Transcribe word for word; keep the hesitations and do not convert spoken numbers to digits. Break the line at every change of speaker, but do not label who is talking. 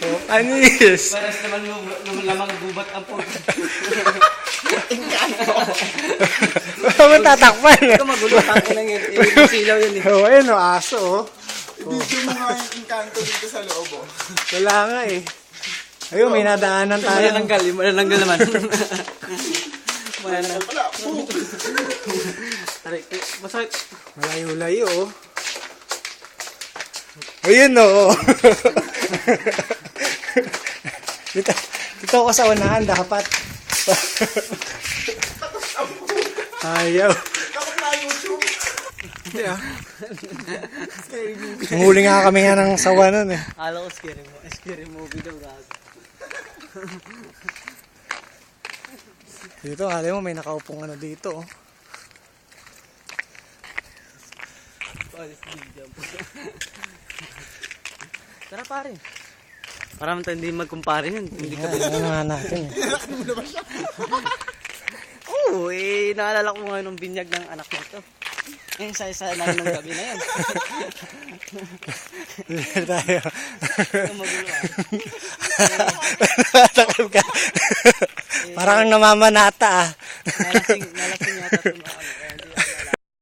Oh, panis.
Paras naman lamang gubat ang po.
Wala mo tatakpan.
Ito magulo, tangin lang yun. Yung silaw yun eh.
Oh, ayun o, aso oh.
Video mo nga yung Encanto dito sa loob, oh.
Wala nga eh. Ayun, may nadaanan tayo.
Malalanggal, yung malalanggal naman. Malalanggal.
Wala, po.
Aray, masakit.
Malayo-layo oh. Ayun oh. dito, dito ako sa unahan dapat. Ayaw.
Dapat na YouTube.
Hindi ah. Huli nga kami nga ng sawa nun eh.
Alam ko scary mo. Scary movie daw gago.
Dito, alam mo may nakaupong ano dito oh.
Tara pare. Para man tayo hindi magkumpare yun. Hindi ka
Ano nga natin eh.
Oo, eh, naalala ko ngayon ng binyag ng anak nito. Eh, isa-isa lang ng gabi na yan.
Dito tayo.
Ito magulo ah.
Takal ka. Parang kang namamanata ah.
Nalasing,